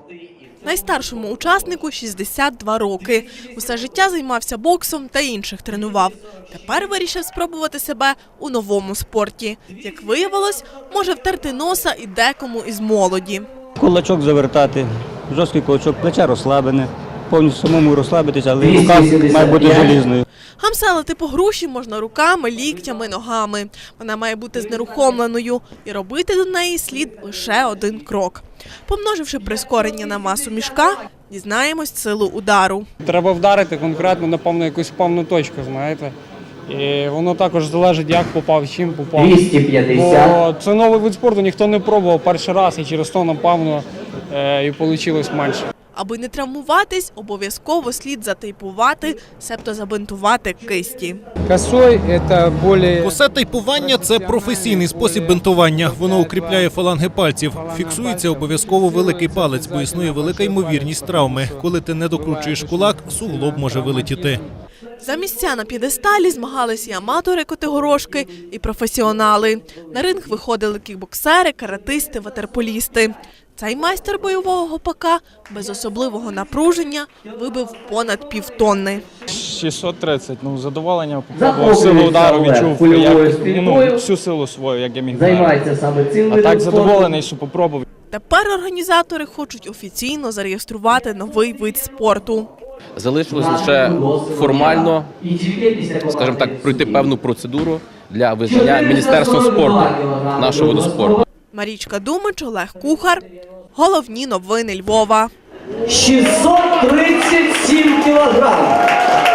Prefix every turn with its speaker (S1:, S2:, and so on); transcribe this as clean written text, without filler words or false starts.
S1: Найстаршому учаснику 62 роки. Усе життя займався боксом та інших тренував. Тепер вирішив спробувати себе у новому спорті. Як виявилось, може втерти носа і декому із молоді.
S2: Кулачок завертати, жорсткий кулачок, плече розслаблене, повністю самому розслабитися, але рука має бути желізною.
S1: Гамселити по груші можна руками, ліктями, ногами. Вона має бути знерухомленою і робити до неї слід лише один крок. Помноживши прискорення на масу мішка, дізнаємось силу удару.
S3: Треба вдарити конкретно, напевно, якусь певну точку, знаєте. І воно також залежить, як попав, чим попав.
S4: 250.
S3: Бо це новий вид спорту, ніхто не пробував перший раз, і через то, напевно, і вийшло менше.
S1: Аби не травмуватись, обов'язково слід затейпувати, себто забинтувати кисті.
S3: Косой – це більш...
S5: Косе тейпування – це професійний спосіб бинтування. Воно укріпляє фаланги пальців. Фіксується обов'язково великий палець, бо існує велика ймовірність травми. Коли ти не докручуєш кулак, суглоб може вилетіти.
S1: За місця на п'єдесталі змагалися і аматори котигорошки, і професіонали. На ринг виходили кікбоксери, каратисти, ватерполісти. Цей майстер бойового гопака без особливого напруження вибив понад півтонни.
S6: 630, задоволення, попробував силу удару, відчув всю силу свою, як я міг вдарити. А так задоволений, що попробував.
S1: Тепер організатори хочуть офіційно зареєструвати новий вид спорту.
S7: Залишилось лише формально, скажімо так, пройти певну процедуру для визнання Міністерством спорту нашого виду спорту.
S1: Марічка Думич, Олег Кухар. Головні новини Львова.
S4: 637 кілограм.